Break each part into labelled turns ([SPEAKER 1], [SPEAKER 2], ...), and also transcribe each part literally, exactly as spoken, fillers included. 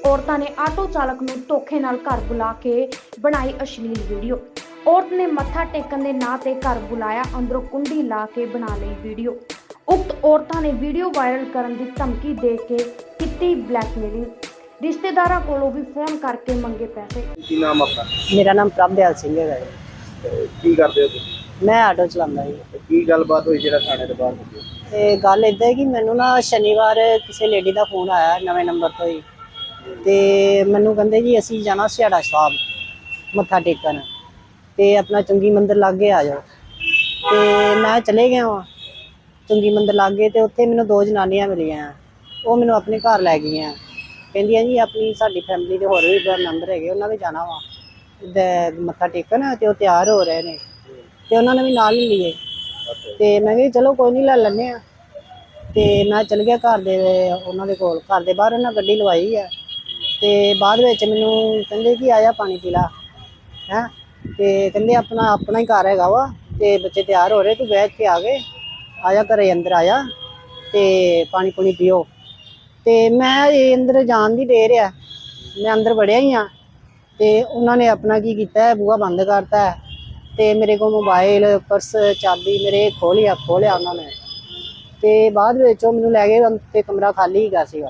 [SPEAKER 1] ਔਰਤਾਂ ਨੇ ਆਟੋ ਚਾਲਕ ਨੂੰ ਧੋਖੇ ਨਾਲ ਘਰ ਬੁਲਾ ਕੇ ਬਣਾਈ ਅਸ਼ਲੀਲ ਵੀਡੀਓ। ਔਰਤ ਨੇ ਮੱਥਾ ਟੇਕਣ ਦੇ ਨਾਂ ਤੇ ਘਰ ਬੁਲਾਇਆ, ਅੰਦਰੋਂ ਕੁੰਡੀ ਲਾ ਕੇ ਬਣਾ ਲਈ ਵੀਡੀਓ। ਉਕਤ ਔਰਤਾਂ ਨੇ ਵੀਡੀਓ ਵਾਇਰਲ ਕਰਨ ਦੀ ਧਮਕੀ ਦੇ ਕੇ ਕੀਤੀ ਬਲੈਕਮੇਲਿੰਗ। ਰਿਸ਼ਤੇਦਾਰਾਂ ਕੋਲੋਂ ਵੀ ਫੋਨ ਕਰਕੇ ਮੰਗੇ ਪੈਸੇ।
[SPEAKER 2] ਕੀ ਨਾਮ ਆਪਣਾ?
[SPEAKER 3] ਮੇਰਾ ਨਾਮ ਪ੍ਰਭਦਿਆਲ ਸਿੰਘ ਹੈਗਾ ਜੀ।
[SPEAKER 2] ਤੇ ਕੀ ਕਰਦੇ ਹੋ ਤੁਸੀਂ?
[SPEAKER 3] ਮੈਂ ਆਟੋ ਚਲਾਉਂਦਾ ਜੀ।
[SPEAKER 2] ਤੇ ਕੀ ਗੱਲਬਾਤ ਹੋਈ ਜਿਹੜਾ ਥਾਣੇ ਦੇ ਬਾਹਰ ਹੋਈ?
[SPEAKER 3] ਤੇ ਗੱਲ ਇੱਦਾਂ ਹੈ ਕਿ ਮੈਨੂੰ ਨਾ ਸ਼ਨੀਵਾਰ ਕਿਸੇ ਲੇਡੀ ਦਾ ਫੋਨ ਆਇਆ ਨਵੇਂ ਨੰਬਰ ਤੋਂ ਹੀ, ਤੇ ਮੈਨੂੰ ਕਹਿੰਦੇ ਜੀ ਅਸੀਂ ਜਾਣਾ ਸਿਹਾੜਾ ਸਾਹਿਬ ਮੱਥਾ ਟੇਕਣ, ਤੇ ਆਪਣਾ ਚੁੰਗੀ ਮੰਦਿਰ ਲਾਗੇ ਆ ਜਾਓ। ਤੇ ਮੈਂ ਚਲੇ ਗਿਆ ਵਾਂ ਚੁੰਗੀ ਮੰਦਿਰ ਲਾਗੇ, ਤੇ ਉੱਥੇ ਮੈਨੂੰ ਦੋ ਜਨਾਨੀਆਂ ਮਿਲੀਆਂ। ਉਹ ਮੈਨੂੰ ਆਪਣੇ ਘਰ ਲੈ ਗਈਆਂ, ਕਹਿੰਦੀਆਂ ਜੀ ਆਪਣੀ ਸਾਡੀ ਫੈਮਿਲੀ ਦੇ ਹੋਰ ਵੀ ਮੈਂਬਰ ਹੈਗੇ, ਉਹਨਾਂ ਵੀ ਜਾਣਾ ਵਾ ਮੱਥਾ ਟੇਕਣ, ਤੇ ਉਹ ਤਿਆਰ ਹੋ ਰਹੇ ਨੇ, ਤੇ ਉਹਨਾਂ ਨੇ ਵੀ ਨਾਲ ਹੀ ਲਈਏ। ਤੇ ਮੈਂ ਕਿਹਾ ਚਲੋ ਕੋਈ ਨਹੀਂ ਲੈ ਲੈਂਦੇ ਹਾਂ। ਤੇ ਮੈਂ ਚਲ ਗਿਆ ਘਰ ਦੇ ਉਹਨਾਂ ਦੇ ਕੋਲ, ਘਰ ਦੇ ਬਾਹਰ ਉਹਨਾਂ ਗੱਡੀ ਲਵਾਈ ਹੈ। ਤੇ ਬਾਅਦ ਵਿੱਚ ਮੈਨੂੰ ਕਹਿੰਦੇ ਕਿ ਆਇਆ ਪਾਣੀ ਪੀ ਲਾ ਹੈਂ, ਤੇ ਕਹਿੰਦੇ ਆਪਣਾ ਆਪਣਾ ਹੀ ਘਰ ਹੈਗਾ ਵਾ, ਤੇ ਬੱਚੇ ਤਿਆਰ ਹੋ ਰਹੇ, ਤੂੰ ਬੈਠ ਕੇ ਆ ਗਏ, ਆਇਆ ਘਰੇ ਅੰਦਰ ਆਇਆ ਤੇ ਪਾਣੀ ਪੂਣੀ ਪੀਓ। ਤੇ ਮੈਂ ਇਹ ਅੰਦਰ ਜਾਣ ਦੀ ਦੇਰ ਆ, ਮੈਂ ਅੰਦਰ ਵੜਿਆ ਹੀ ਹਾਂ, ਤੇ ਉਹਨਾਂ ਨੇ ਆਪਣਾ ਕੀ ਕੀਤਾ, ਬੂਹਾ ਬੰਦ ਕਰਤਾ, ਤੇ ਮੇਰੇ ਕੋਲ ਮੋਬਾਈਲ ਪਰਸ ਚਾਬੀ ਮੇਰੇ ਖੋਹ ਲਿਆ ਖੋਹ ਲਿਆ ਉਹਨਾਂ ਨੇ। ਤੇ ਬਾਅਦ ਵਿੱਚ ਉਹ ਮੈਨੂੰ ਲੈ ਗਏ, ਤੇ ਕਮਰਾ ਖਾਲੀ ਹੈਗਾ ਸੀਗਾ।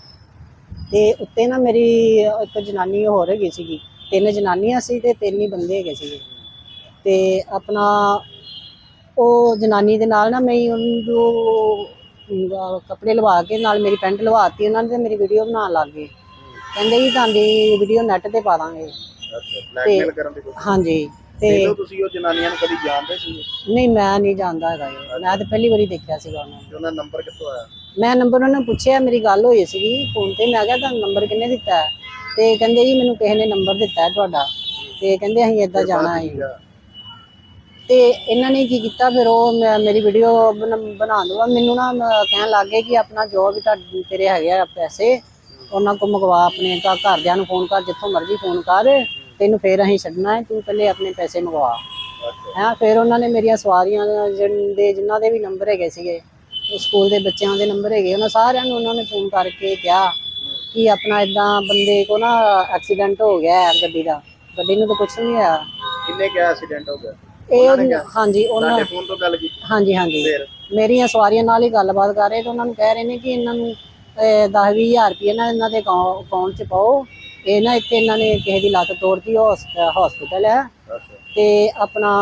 [SPEAKER 3] ਤੇ ਉੱਤੇ ਨਾ ਮੇਰੀ ਇੱਕ ਜਨਾਨੀ ਹੋਰ ਹੈਗੀ ਸੀਗੀ, ਤਿੰਨ ਜਨਾਨੀਆਂ ਸੀ ਤੇ ਤਿੰਨ ਹੀ ਬੰਦੇ ਹੈਗੇ ਸੀਗੇ। ਤੇ ਆਪਣਾ ਉਹ ਜਨਾਨੀ ਦੇ ਨਾਲ ਨਾ ਮੈਂ ਉਹਨੂੰ ਕੱਪੜੇ ਲਵਾ ਕੇ ਨਾਲ ਮੇਰੀ ਪੈਂਟ ਲਵਾਤੀ ਉਹਨਾਂ ਨੇ, ਤੇ ਮੇਰੀ ਵੀਡੀਓ ਬਣਾਉਣ ਲੱਗ ਗਏ। ਕਹਿੰਦੇ ਜੀ ਤੁਹਾਡੀ ਵੀਡੀਓ ਨੈੱਟ ਤੇ ਪਾ ਦਾਂਗੇ।
[SPEAKER 2] ਬਲੈਕਮੇਲ ਕਰਨ ਦੀ ਕੋਸ਼ਿਸ਼?
[SPEAKER 3] ਹਾਂਜੀ। ਤੇ
[SPEAKER 2] ਤੁਸੀਂ ਉਹ ਜਨਾਨੀਆਂ ਨੂੰ ਕਦੀ ਜਾਣਦੇ ਸੀ?
[SPEAKER 3] ਨਹੀਂ, ਮੈਂ ਨਹੀਂ ਜਾਣਦਾ ਹੈਗਾ ਜੀ, ਮੈਂ ਤਾਂ ਪਹਿਲੀ ਵਾਰੀ ਦੇਖਿਆ ਸੀਗਾ ਉਹਨਾਂ ਨੂੰ।
[SPEAKER 2] ਉਹਨਾਂ ਨੰਬਰ ਕਿੱਥੋਂ ਆਇਆ?
[SPEAKER 3] ਮੈਂ ਨੰਬਰ ਉਹਨਾਂ ਨੂੰ ਪੁੱਛਿਆ, ਮੇਰੀ ਗੱਲ ਹੋਈ ਸੀਗੀ ਫੋਨ ਤੇ, ਮੈਂ ਕਿਹਾ ਤੁਹਾਨੂੰ ਨੰਬਰ ਕਿਹਨੇ ਦਿੱਤਾ? ਤੇ ਕਹਿੰਦੇ ਜੀ ਮੈਨੂੰ ਕਿਸੇ ਨੇ ਨੰਬਰ ਦਿੱਤਾ ਤੁਹਾਡਾ, ਤੇ ਕਹਿੰਦੇ ਅਸੀਂ ਏਦਾਂ ਜਾਣਾ ਹੈ। ਤੇ ਇਹਨਾਂ ਨੇ ਕੀ ਕੀਤਾ ਫਿਰ, ਉਹ ਮੇਰੀ ਵੀਡੀਓ ਬਣਾ ਦਵਾ ਮੈਨੂੰ ਨਾ ਕਹਿਣ ਲੱਗ ਗਏ ਕਿ ਆਪਣਾ ਜੋ ਵੀ ਤੁਹਾਡੇ ਤੇਰੇ ਹੈਗੇ ਆ ਪੈਸੇ ਉਹਨਾਂ ਕੋਲ ਮੰਗਵਾ, ਆਪਣੇ ਘਰਦਿਆਂ ਨੂੰ ਫੋਨ ਕਰ, ਜਿੱਥੋਂ ਮਰਜ਼ੀ ਫੋਨ ਕਰ, ਤੈਨੂੰ ਫਿਰ ਅਸੀਂ ਛੱਡਣਾ ਹੈ, ਤੂੰ ਪਹਿਲੇ ਆਪਣੇ ਪੈਸੇ ਮੰਗਵਾ ਹੈਂ। ਫਿਰ ਉਹਨਾਂ ਨੇ ਮੇਰੀਆਂ ਸਵਾਰੀਆਂ ਦੇ ਜਿਨ੍ਹਾਂ ਦੇ ਵੀ ਨੰਬਰ ਹੈਗੇ ਸੀਗੇ, ਸਕੂਲ ਦੇ ਬੱਚਿਆਂ ਦੇ ਨੰਬਰ ਹੈਗੇ, ਉਹਨਾਂ ਸਾਰਿਆਂ ਨੂੰ ਉਹਨਾਂ ਨੇ ਫੋਨ ਕਰਕੇ ਕਿਹਾ ਕਿ ਆਪਣਾ ਇੱਦਾਂ ਬੰਦੇ ਕੋ ਨਾ ਐਕਸੀਡੈਂਟ ਹੋ ਗਿਆ ਹੈ ਗੱਡੀ ਦਾ। ਗੱਡੀ ਨੂੰ ਤਾਂ ਕੁਛ ਨਹੀਂ ਹੋਇਆ।
[SPEAKER 2] ਕਿੰਨੇ ਕਿਹਾ ਐਕਸੀਡੈਂਟ ਹੋ ਗਿਆ?
[SPEAKER 3] ਇਹ ਹਾਂਜੀ ਉਹਨਾਂ
[SPEAKER 2] ਨੇ ਫੋਨ ਤੋਂ ਗੱਲ ਕੀਤੀ?
[SPEAKER 3] ਹਾਂਜੀ ਹਾਂਜੀ, ਮੇਰੀਆਂ ਸਵਾਰੀਆਂ ਨਾਲ ਹੀ ਗੱਲਬਾਤ ਕਰ ਰਹੇ, ਤੇ ਉਹਨਾਂ ਨੂੰ ਕਹਿ ਰਹੇ ਨੇ ਕਿ ਇਹਨਾਂ ਨੂੰ ਦਸ ਵੀਹ ਹਜ਼ਾਰ ਰੁਪਏ ਨਾ ਇਹਨਾਂ ਦੇ ਅਕਾਊਂਟ 'ਚ ਪਾਓ। ਇਹ ਨਾ ਇੱਥੇ ਇਹਨਾਂ ਨੇ ਕਿਸੇ ਦੀ ਲੱਤ ਤੋੜਤੀ, ਹੌਸਪੀਟਲ ਹੈ, ਤੇ ਆਪਣਾ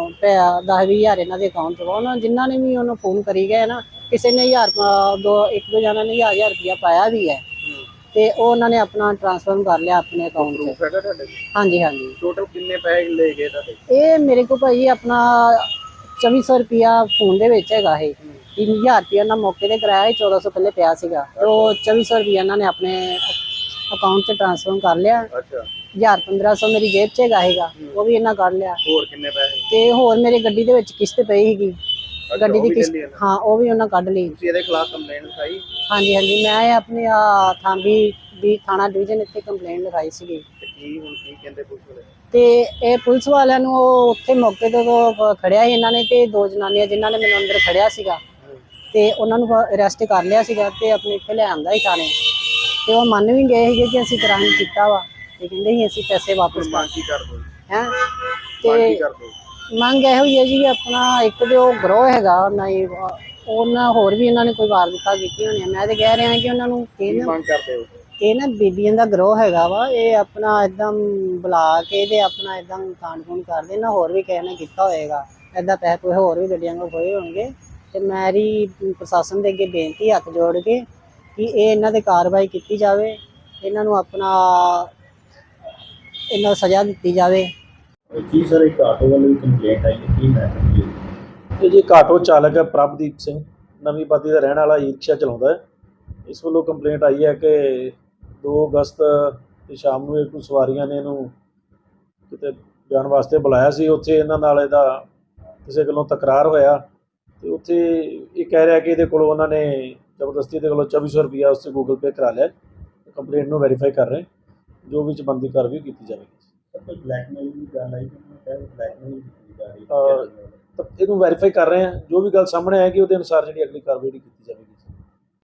[SPEAKER 3] ਦਸ ਵੀਹ ਹਜ਼ਾਰ ਇਹਨਾਂ ਦੇ ਅਕਾਊਂਟ 'ਚ ਪਾਓ। ਜਿਨ੍ਹਾਂ ਨੇ ਵੀ ਉਹਨੂੰ ਫੋਨ ਕਰੀ ਗਏ ਨਾ, ਕਿਸੇ ਨੇ ਹਜ਼ਾਰ ਦੋ ਇੱਕ ਦੋ ਜਣਾਂ ਨੇ ਹਜ਼ਾਰ ਹਜ਼ਾਰ ਰੁਪਇਆ ਪਾਇਆ ਵੀ ਹੈ, ਤੇ ਉਹ ਉਹਨਾਂ ਨੇ ਆਪਣਾ ਟ੍ਰਾਂਸਫਰ ਕਰ ਲਿਆ ਆਪਣੇ ਅਕਾਊਂਟ 'ਚ। ਹਾਂਜੀ ਹਾਂਜੀ।
[SPEAKER 2] ਟੋਟਲ ਕਿੰਨੇ ਪੈਸੇ ਲੈ ਗਏ ਤੁਹਾਡੇ? ਇਹ
[SPEAKER 3] ਮੇਰੇ ਕੋਲ ਭਾਈ ਆਪਣਾ ਚੌਵੀ ਸੌ ਰੁਪਇਆ ਫੋਨ ਦੇ ਵਿੱਚ ਹੈਗਾ। ਇਹ ਤਿੰਨ ਹਜ਼ਾਰ ਰੁਪਇਆ ਨਾਲ ਮੌਕੇ ਤੇ ਕਰਾਇਆ, ਚੌਦਾਂ ਸੌ ਪਹਿਲੇ ਪਿਆ ਸੀਗਾ, ਤੇ ਉਹ ਚੌਵੀ ਸੌ ਰੁਪਇਆ ਇਹਨਾਂ ਨੇ ਆਪਣੇ ਅਕਾਊਂਟ 'ਚ ਟ੍ਰਾਂਸਫਰ ਕਰ ਲਿਆ। ਹਜ਼ਾਰ ਪੰਦਰਾਂ ਸੌ ਮੇਰੀ ਜੇਬ 'ਚ ਹੈਗਾ ਹੈਗਾ, ਉਹ ਵੀ ਇਹਨਾਂ ਕੱਢ ਲਿਆ।
[SPEAKER 2] ਹੋਰ ਕਿੰਨੇ ਪੈਸੇ? ਤੇ
[SPEAKER 3] ਹੋਰ ਮੇਰੀ ਗੱਡੀ ਦੇ ਵਿੱਚ ਕਿਸ਼ਤ ਪਈ ਸੀਗੀ, ਗੱਡੀ ਦੀ ਕਿਸ਼ਤ, ਹਾਂ ਉਹ ਵੀ ਉਹਨਾਂ ਕੱਢ ਲਈ।
[SPEAKER 2] ਤੁਸੀਂ ਇਹਦੇ ਖਿਲਾਫ ਕੰਪਲੇਂਟ ਲਿਖਾਈ?
[SPEAKER 3] ਹਾਂਜੀ ਹਾਂਜੀ, ਮੈਂ ਆਪਣੇ ਥਾਂਬੀ ਦੀ ਥਾਣਾ ਡਿਵੀਜ਼ਨ ਇੱਥੇ ਕੰਪਲੇਂਟ ਲਿਖਾਈ ਸੀਗੀ।
[SPEAKER 2] ਕੀ ਹੁਣ ਕੀ ਕਹਿੰਦੇ ਪੁਲਿਸ ਵਾਲੇ?
[SPEAKER 3] ਤੇ ਇਹ ਪੁਲਿਸ ਵਾਲਿਆਂ ਨੂੰ ਉਹ ਉੱਥੇ ਮੌਕੇ ਤੋਂ ਖੜਿਆ ਸੀ ਇਹਨਾਂ ਨੇ, ਤੇ ਦੋ ਜਨਾਨੀਆਂ ਜਿਨ੍ਹਾਂ ਨੇ ਮੈਨੂੰ ਅੰਦਰ ਖੜਿਆ ਸੀਗਾ, ਤੇ ਉਹਨਾਂ ਨੂੰ ਅਰੈਸਟ ਕਰ ਲਿਆ ਸੀਗਾ, ਤੇ ਆਪਣੇ ਇੱਥੇ ਲੈ ਆਂਦਾ ਸੀ ਥਾਣੇ। ਤੇ ਉਹ ਮੰਨ ਵੀ ਗਏ ਸੀਗੇ ਕਿ ਅਸੀਂ ਕ੍ਰਾਈਮ ਕੀਤਾ ਵਾ, ਤੇ ਕਹਿੰਦੇ ਸੀ ਅਸੀਂ ਪੈਸੇ ਵਾਪਸ ਪਾ ਹੈਂ। ਤੇ ਮੰਗ ਇਹੋ ਹੀ ਹੈ ਜੀ, ਆਪਣਾ ਇੱਕ ਤੇ ਉਹ ਗਰੋਹ ਹੈਗਾ ਨਹੀਂ, ਉਹਨਾਂ ਹੋਰ ਵੀ ਇਹਨਾਂ ਨੇ ਕੋਈ ਵਾਰਦਾਤਾਂ ਕੀਤੀਆਂ ਹੋਣੀਆਂ। ਮੈਂ ਤੇ ਕਹਿ ਰਿਹਾ ਕਿ ਉਹਨਾਂ ਨੂੰ
[SPEAKER 2] ਮੰਗ ਕਰਦੇ ਹੋ?
[SPEAKER 3] ਇਹ ਨਾ ਬੀਬੀਆਂ ਦਾ ਗਰੋਹ ਹੈਗਾ ਵਾ, ਇਹ ਆਪਣਾ ਏਦਾਂ ਬੁਲਾ ਕੇ ਤੇ ਆਪਣਾ ਏਦਾਂ ਕਾਂਡ ਕੂੰਡ ਕਰਦੇ ਨਾ, ਹੋਰ ਵੀ ਕਿਸੇ ਨੇ ਕੀਤਾ ਹੋਏਗਾ ਏਦਾਂ, ਪੈਸੇ ਕੋਈ ਹੋਰ ਵੀ ਗੱਡੀਆਂ ਕੋਲ ਖੋਏ ਹੋਣਗੇ। ਤੇ ਮੇਰੀ ਪ੍ਰਸ਼ਾਸਨ ਦੇ ਅੱਗੇ ਬੇਨਤੀ ਹੱਥ ਜੋੜ ਕੇ ਕਿ ਇਹ ਇਹਨਾਂ ਤੇ ਕਾਰਵਾਈ ਕੀਤੀ ਜਾਵੇ, ਇਹਨਾਂ ਨੂੰ ਆਪਣਾ ਇਹਨਾਂ ਨੂੰ ਸਜ਼ਾ ਦਿੱਤੀ ਜਾਵੇ।
[SPEAKER 4] ਜੀ ਸਰ, ਇੱਕ ਆਟੋ ਵਾਲੇ ਦੀ ਕੰਪਲੇਂਟ ਆਈ ਹੈ, ਕੀ ਮੈਟਰ?
[SPEAKER 5] ਇਹ ਜੀ ਇੱਕ ਆਟੋ ਚਾਲਕ ਹੈ ਪ੍ਰਭਦੀਪ ਸਿੰਘ, ਨਵੀਂ ਬਾਦੀ ਦਾ ਰਹਿਣ ਵਾਲਾ, ਈ ਰਿਕਸ਼ਾ ਚਲਾਉਂਦਾ ਹੈ। ਇਸ ਵੱਲੋਂ ਕੰਪਲੇਂਟ ਆਈ ਹੈ ਕਿ ਦੋ ਅਗਸਤ ਦੀ ਸ਼ਾਮ ਨੂੰ ਇੱਕ ਸਵਾਰੀਆਂ ਨੇ ਇਹਨੂੰ ਕਿਤੇ ਜਾਣ ਵਾਸਤੇ ਬੁਲਾਇਆ ਸੀ। ਉੱਥੇ ਇਹਨਾਂ ਨਾਲ ਇਹਦਾ ਕਿਸੇ ਗੱਲੋਂ ਤਕਰਾਰ ਹੋਇਆ, ਅਤੇ ਉੱਥੇ ਇਹ ਕਹਿ ਰਿਹਾ ਕਿ ਇਹਦੇ ਕੋਲੋਂ ਉਹਨਾਂ ਨੇ ਜ਼ਬਰਦਸਤੀ ਇਹਦੇ ਕੋਲੋਂ ਚੌਵੀ ਸੌ ਰੁਪਈਆ ਉਸ 'ਤੇ ਗੂਗਲ ਪੇ ਕਰਾ ਲਿਆ। ਕੰਪਲੇਂਟ ਨੂੰ ਵੈਰੀਫਾਈ ਕਰ ਰਹੇ, ਜੋ ਵੀ ਬਣਦੀ ਕਾਰਵਾਈ ਕੀਤੀ ਜਾਵੇਗੀ।
[SPEAKER 4] ਬਲੈਕਮੇਲ ਦੀ ਗੱਲ ਆਈ, ਬਲੈਕਮੇਲ ਕੀਤੀ ਜਾ ਰਹੀ
[SPEAKER 5] ਤਾਂ ਇਹਨੂੰ ਵੈਰੀਫਾਈ ਕਰ ਰਹੇ ਹਾਂ, ਜੋ ਵੀ ਗੱਲ ਸਾਹਮਣੇ ਆਏਗੀ ਉਹਦੇ ਅਨੁਸਾਰ ਜਿਹੜੀ ਅਗਲੀ ਕਾਰਵਾਈ ਕੀਤੀ ਜਾਵੇਗੀ।